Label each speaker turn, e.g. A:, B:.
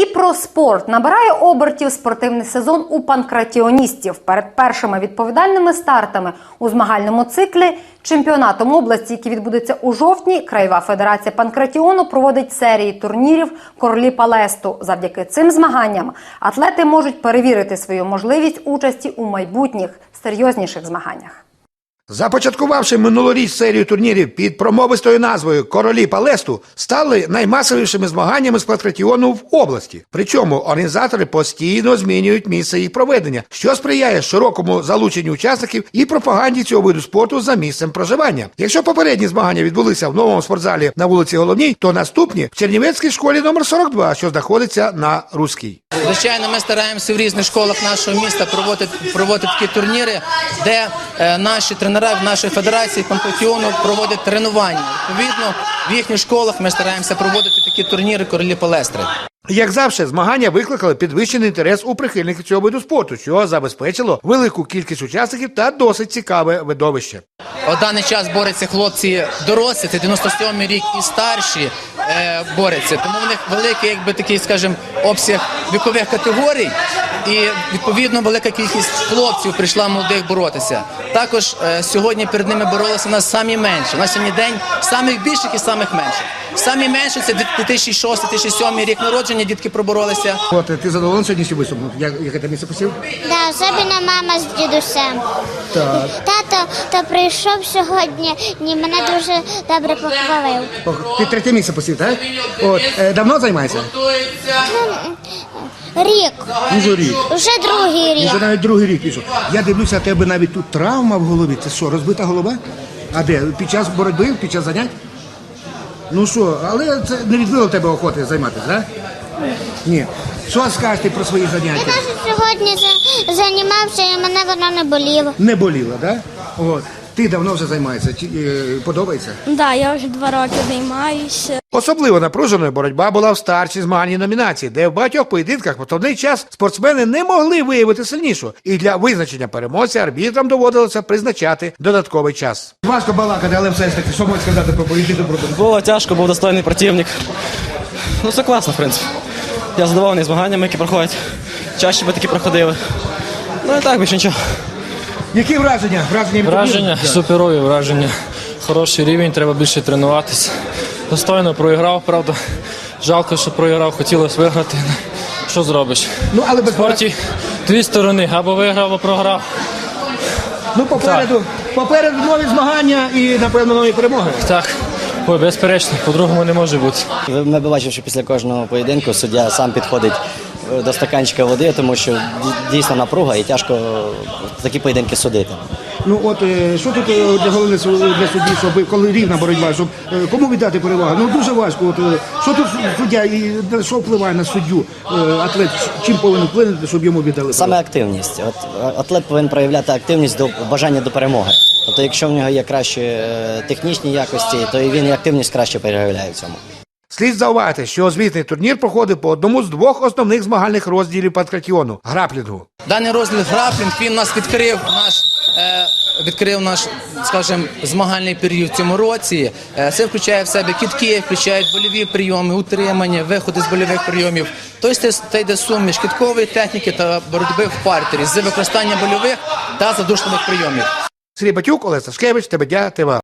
A: І про спорт. Набирає обертів спортивний сезон у панкратіоністів. Перед першими відповідальними стартами у змагальному циклі чемпіонатом області, який відбудеться у жовтні, Краєва федерація панкратіону проводить серії турнірів «Королі Палесту». Завдяки цим змаганням атлети можуть перевірити свою можливість участі у майбутніх серйозніших змаганнях.
B: Започаткувавши минулоріч серію турнірів під промовистою назвою «Королі Палесту», стали наймасовішими змаганнями з панкратіону в області. Причому організатори постійно змінюють місце їх проведення, що сприяє широкому залученню учасників і пропаганді цього виду спорту за місцем проживання. Якщо попередні змагання відбулися в новому спортзалі на вулиці Головній, то наступні в Чернівецькій школі номер 42, що знаходиться на Руській.
C: Звичайно, ми стараємося в різних школах нашого міста проводити такі турніри, де наші тренери в нашій федерації панкратіону проводять тренування. Відповідно, в їхніх школах ми стараємося проводити такі турніри «Королі Палестри».
B: Як завжди, змагання викликали підвищений інтерес у прихильників цього виду спорту, що забезпечило велику кількість учасників та досить цікаве видовище.
C: У даний час борються хлопці дорослі, це 97-й рік і старші борються. Тому в них великий, такий, скажімо, обсяг вікових категорій і, відповідно, велика кількість хлопців прийшла молодих боротися. Також сьогодні перед ними боролися у нас самі менші. На сьогодні день самих більших і самих менших. Самі менші – це 2006-2007 рік народження, дітки проборолися.
B: От, ти задоволений сьогоднішнім виступом? Яке ти місце посів?
D: Да, особливо мама з дідусем.
B: Так.
D: Тато прийшов сьогодні і мене дуже добре похвалив.
B: Ти третє місце посів, так? От, давно займаєшся?
D: Рік.
B: Уже рік.
D: Уже другий рік.
B: Уже навіть другий рік пішов. Я дивлюся, у тебе навіть тут травма в голові. Це що, розбита голова? А де? Під час боротьби, під час занять? Ну що, але це не відбило тебе охоти займатися, так? Ні. Що скажете про свої заняття?
D: Я навіть сьогодні займався і мене воно не боліло.
B: Не боліло, так? От. Ти давно вже займаєшся? Подобається?
E: Так, я вже 2 роки займаюся.
B: Особливо напруженою боротьба була в старшій змагальній номінації, де в багатьох поєдинках в основний час спортсмени не могли виявити сильнішого. І для визначення переможця арбітрам доводилося призначати додатковий час. Важко балакати, але все ж таки, що можна сказати про поєдинок?
F: Було тяжко, був достойний противник. Ну, все класно, в принципі. Я задоволений змаганнями, які проходять. Чаще би такі проходили. Ну і так, більше нічого.
B: Які враження?
G: Враження, суперові враження. Хороший рівень, треба більше тренуватися. Достойно проіграв, правда. Жалко, що проіграв, хотілося виграти. Що зробиш?
B: Ну, але
G: в спорті 2 сторони, або виграв, або програв.
B: Ну, попереду нові змагання і, напевно, нові перемоги.
G: Так, безперечно, по-другому не може бути.
F: Ми бачимо, що після кожного поєдинку суддя сам підходить до стаканчика води, тому що дійсно напруга і тяжко такі поєдинки судити.
B: Ну от, що тут для головне для судді, щоб коли рівна боротьба, щоб кому віддати перевагу? Ну дуже важко. От, що тут суддя і що впливає на суддю, атлет, чим повинен вплинути, щоб йому віддали?
F: Саме активність. От, атлет повинен проявляти активність до бажання до перемоги. Тобто, якщо в нього є кращі технічні якості, то і він і активність краще проявляє в цьому.
B: Слід зауважити, що звітний турнір проходить по одному з 2 основних змагальних розділів панкратіону – граплінгу.
C: Даний розділ граплінг, він нас відкрив наш, скажімо, змагальний період в цьому році. Це включає в себе кидки, включають больові прийоми, утримання, виходи з больових прийомів. Тобто це йде суміш кидкової техніки та боротьби в партері з використанням больових та задушливих прийомів.
B: Сергій Батюк, Олег Сашкевич, ТБДЯ, ТВА.